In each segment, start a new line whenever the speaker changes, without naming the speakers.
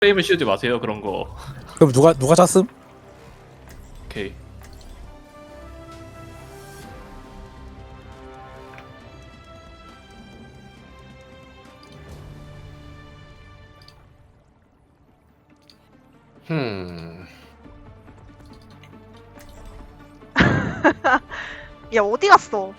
프레임을 씌우지 마세요 그런 거.
그럼 누가 짰음?
오케이.
야 어디 갔어?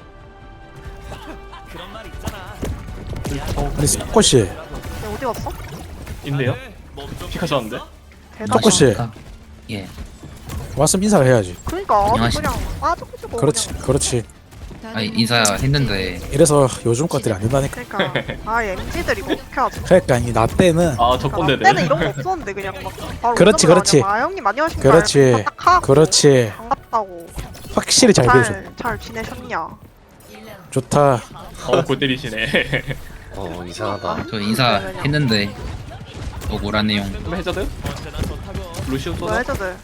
아니 스코씨
야 어디 갔어?
있네요. 픽하셨는데?
대단하다.
스코씨
예.
왔으면 인사를 해야지.
그러니까
안녕하십니까.
그냥 빠져가지고
그렇지.
아니 인사했는데
이래서 요즘 것들이 안 된다니까.
그러니까 아 MZ들이 뭐 어떻게 하지?
그러니까 나 때는
아
그러니까
적군대네.
나 때는 이런 거 없었는데 그냥 막 바로
그렇지,
오자마자
그렇지.
그냥 아 형님 안녕하십니까
그렇지.
딱 하고
그렇지.
반갑다고
확실히 잘 배워줘.
잘 지내셨냐?
좋다.
골 때리시네.
이상하다.
저 인사했는데 억울한 내용.
그럼 해저드? 루시우
뭐
쏘자.
해줘들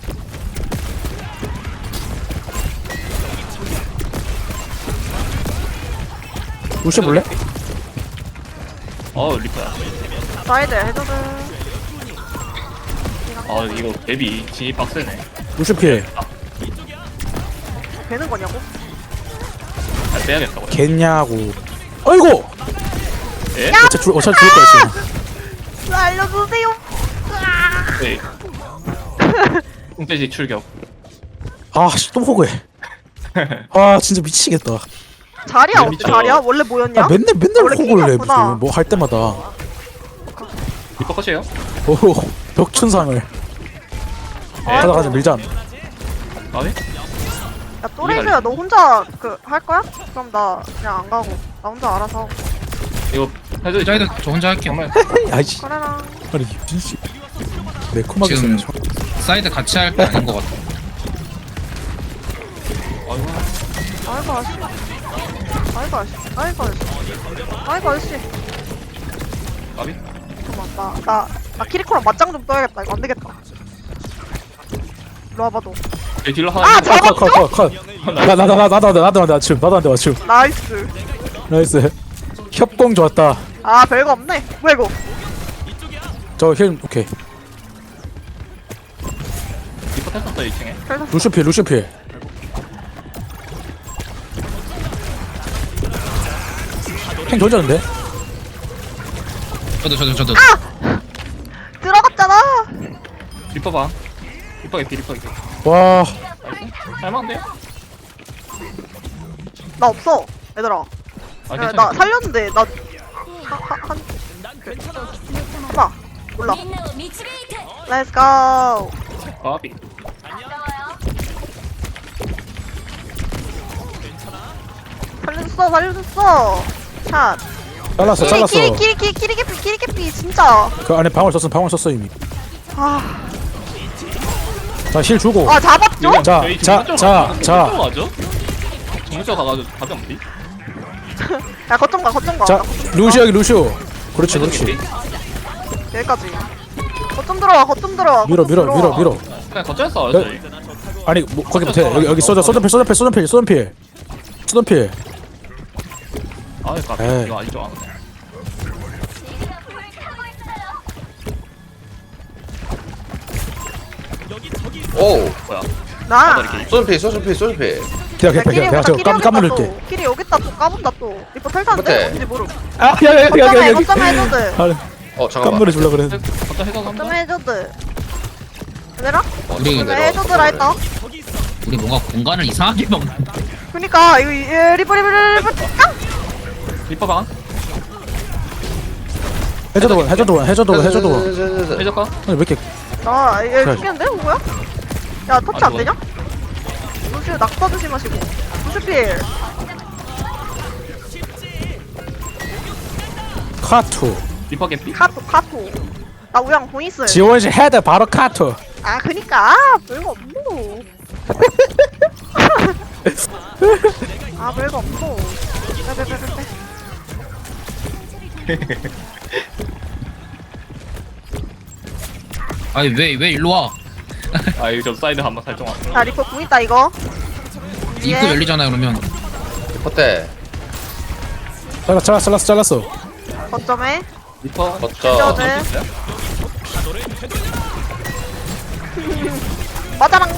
루시 볼래?
리퍼야.
사이드 해줘들
이거 맵이 진입 빡세네.
루시 피해.
되는 거냐고?
잘 빼야겠다고.
겠냐고. 어이구.
예?
어차피 죽을 거야 지금.
알려주세요.
네. 뚱돼지 출격.
아씨 또 호구해. 아 진짜 미치겠다.
자리야 어때?
미쳐.
자리야? 원래 뭐였냐?
아 맨날
원래
호구를 해
킹이었구나.
무슨 뭐 할 때마다.
리퍼 컷이에요?
오 벽춘상을 하다가 밀자.
아니?
야 또래즈야 너 혼자 그 할 거야? 그럼 나 그냥 안 가고 나 혼자 알아서 하고.
이거 해저드
저희도 저 혼자 할게요.
정말
아이씨.
그래라.
아니 진짜 매콤하게
지금
쓰네.
사이드 같이 할 게 아닌 것 같아.
아이고 아씨. 아이고 아씨. 아이고 아씨. 아이고 아씨.
아비?
잠깐만 나 키리코랑 맞짱 좀 떠야겠다. 이거 안 되겠다. 일로 와봐 너.
제 딜러 하나
아,
있는데?
컷. 나도 맞춤. 나도 맞춤.
나이스.
나이스. 협공 좋았다.
아 별거 없네. 뭐야 이거?
저 힐 오케이.
리퍼 탔었어 2층에.
루시 필. 행 돌졌는데?
저도.
들어갔잖아.
리퍼 봐. 리퍼 개피.
와
할만한데요?
나 없어. 얘들아.
아
야,
괜찮아.
나 살렸는데 나 한. 봐. 몰라. Let's go.
아비.
살려줬어. 샷.
잘랐어.
키리키피 진짜.
그 안에 방울 썼어 이미.
아,
자 힐 주고.
아 잡았죠?
자.
가죠? 정문쪽 가가지고 답이 없니?
야 거점 가.
자 루시 여기 루시오. 그렇지.
여기까지. 거점 들어와.
밀어.
그냥 거쳐서 싸워요 저희.
아니 뭐 거기 못해. 여기 소전필.
아이 까비.
에이.
이거 아니죠 안 돼.
오!
뭐야?
나.
소전피.
기다려. 내가 저 까물릴게.
키리 여기다 또 까본다 또. 리포 탈타는데?
못해.
뭔지 모르.
아 야야야야.
거점 해줘드.
잠깐만.
깜물을 줄라 그래.
거쳐 해서
거점
한번.
해줘드. 얘들아?
우리
거점 해줘드라 했다.
우리 뭔가 공간을 이상하게 먹는.
그니까 이거 리포 깡!
리퍼 방.
해줘도.
해적가?
아니 왜 이렇게
얘
그래.
죽겠는데? 누구야? 야 터치 안
아,
되냐? 루시오 낙타 조심하시고. 루시필.
카투.
리퍼 개피?
카토. 나 우양 공 있어요.
지원시 헤드 바로 카투.
아 그니까 별거 없노. 아 별거 없노. 빼.
아니 왜 일로 와?
아 이거 좀 사이드 한번 살짝 왔어.
자 리퍼 공 있다 이거.
입구 열리잖아요 그러면.
리포테.
잘랐어.
거점에
리퍼
거쳐.
해줘드. 맞아랑.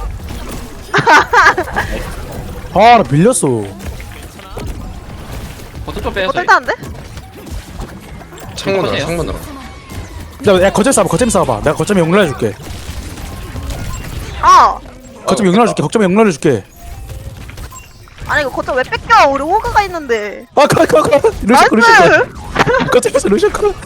아 나 밀렸어.
버튼 좀 빼요.
어떨 때안돼?
창문으로
컷이에요?
창문으로.
야 거점 싸봐 거점 싸봐. 내가 거점에 용납 해줄게.
아
거점 용납 해줄게. 거점에 용납 해줄게.
아니 이거 거점 왜 뺏겨? 우리 호그가 있는데.
가 루시코
나이스.
거점에서 루시코.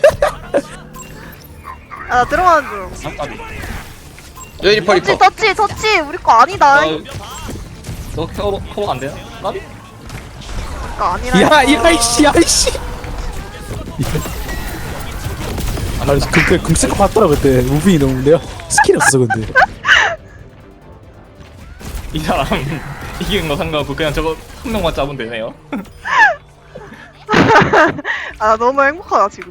아 나 들어가는 중.
아, 까비.
여기 리퍼 리퍼.
터치 우리 거 아니다.
너 커버 안 돼요? 까비?
거 아니라.
야이씨 야이씨. 아 금 쓸 거 봤더라 그때. 무빙이 너무 내가 스킬이 없어서 근데.
이 사람 이기는 거 상관없고 그냥 저거 한 명만 잡으면 되네요.
아 너무 행복하다 지금.